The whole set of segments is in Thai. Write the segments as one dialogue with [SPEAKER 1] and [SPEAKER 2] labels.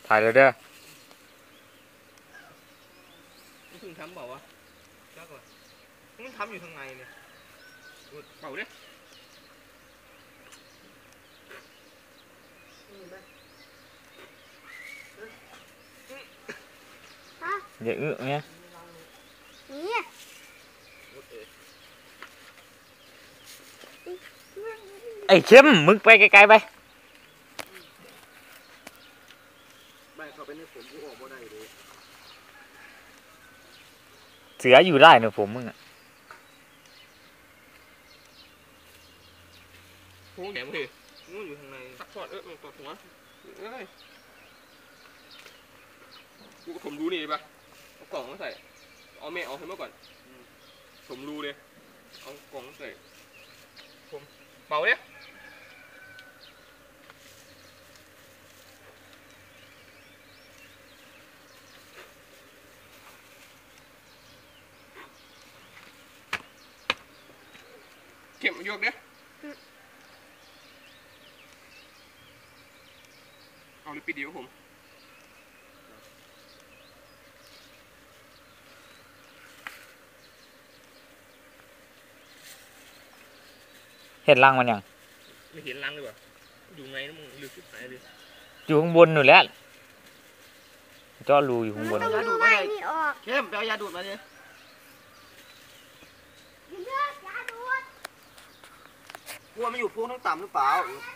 [SPEAKER 1] ถ่ายเลยเด้อ
[SPEAKER 2] นี่ถึงทำเปล่าวะจักวะมันทำอยู่ทางในเนี่ยเปล่าดิ
[SPEAKER 1] อย่าอึเนี่ยไอ้เข้มมึงไปไกลๆไป
[SPEAKER 2] เขาเป็นในผมกูออกบ่ได้เลย
[SPEAKER 1] เสืออยู่ได้เนี่ยผมมึงอ่ะ
[SPEAKER 2] โอ้แหนมเลยงูอยู่ทางในซักทอดตอดหัวกูผมรู้นี่ป่ะเอากล่องมาใส่เอาแม่เอาให้มาก่อนผมรู้เลยเอากล่องใส่ผมเป่าเนี่ยเก็บมายกเนี่ยเอาเลยปิดเดียวผม
[SPEAKER 1] เห็นรังมันยัง
[SPEAKER 2] ไม่เห็นรังเลยว่ะอยู่ไงนะมึงลึกสุดไหนเลย
[SPEAKER 1] อยู่ข้างบนอยู่แล้วเจาะรูอยู่ข้างบน
[SPEAKER 3] ยาดูดมาเลยเข้มไปเอายาดูดมาเนี่ยกลัวมันอยู่พูนต้องต่ำหรือเปล่า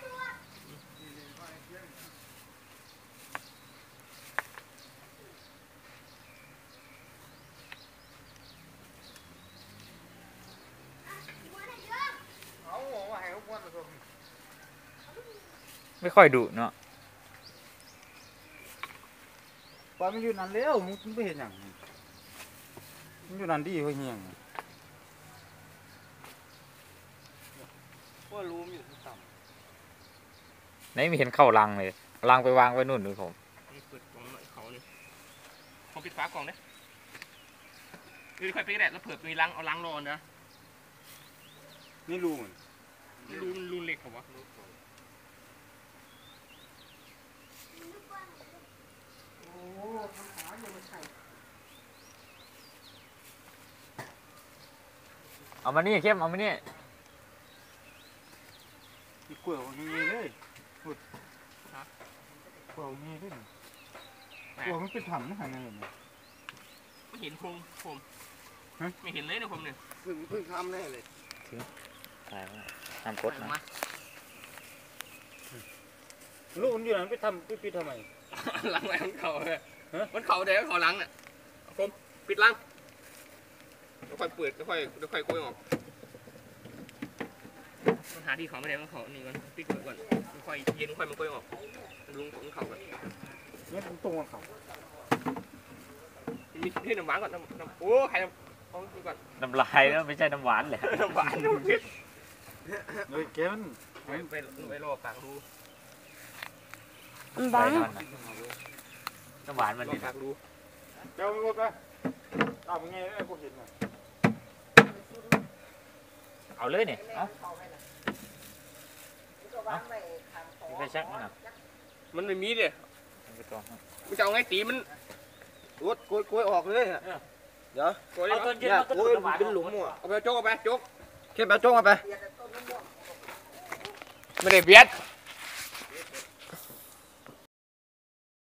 [SPEAKER 1] ไม่ค่อยดุเนาะ
[SPEAKER 3] ปล่อยมันอยู่นั่นแล้วมึงไม่เห็นอย่างมันอยู่นั่นดีเฮียงว่ารู้มันอยู่ต่ำ
[SPEAKER 1] ไหนไม่เห็นเข้ารังเลยรังไปวางไว้นู่นดูผม
[SPEAKER 2] นี่เปิดกล่องเขาเลยผมปิดฝากล่องเนี่ยคือค่อยไปแดดแล้วเผื่อมีรังเอารังรอนะ
[SPEAKER 3] นี่รูมัน
[SPEAKER 2] รูเล็กเหรอวะ
[SPEAKER 1] เอามานี่เข้มเอามานี่
[SPEAKER 3] กลัวมันมีเลยกลัวมีด้วยกลัวมันเป็นถังนะฮะเนี่ย
[SPEAKER 2] ไม่เห็นผมไม่เห็นเลยนะผมเนี่ยเพิ่งทำแน่เลย
[SPEAKER 1] ถ่ายมาทำกดนะ
[SPEAKER 3] ลูกมันอยู่นั่นไปทำไปทำไม
[SPEAKER 2] ล้างไว้มันเข่าเลยมันเข่าเดี๋ยวเขาล้างน่ะผมปิดล้างแล้วค่อยเปิดแล้วค่อยโกยออกมันหาที่เขาไม่ได้มันเขานี่ก่อนปิดก่อนค่อยเย็นค่อยมันโกยออกลุงของเขาก่อน
[SPEAKER 3] นี่มันตรงกับเขา
[SPEAKER 2] มีที่น้ำหวานก่อนน้ำโอ้ใครน้ำเอาก่อน
[SPEAKER 1] น้ำลายแล้วไม่ใช่น้ำหวานเลย
[SPEAKER 2] น้ำหวานน้ำเผ็ด
[SPEAKER 3] เลยเกมัน
[SPEAKER 2] ไปรอปากรู
[SPEAKER 1] บ้าน้ำหวานมันดี
[SPEAKER 2] ปากรู
[SPEAKER 3] เจ้าไม่หมดไปเอาไงไอ้พวกเห็นน่ะ
[SPEAKER 1] เอาเลยเนี่ยเอาไปชักนะ
[SPEAKER 2] มันไม่มีเลยมันจะเอาไงตีมัน
[SPEAKER 3] โกยออกเลยเดี๋ยว
[SPEAKER 1] เอาต้นเนี่ย
[SPEAKER 3] โกยเป็นหลุมอ่ะ
[SPEAKER 2] เอาไปโจ๊กเอาไปโจ๊ก
[SPEAKER 3] เข้มเอาโจ๊กมาไป
[SPEAKER 2] ไม่ได้เบียด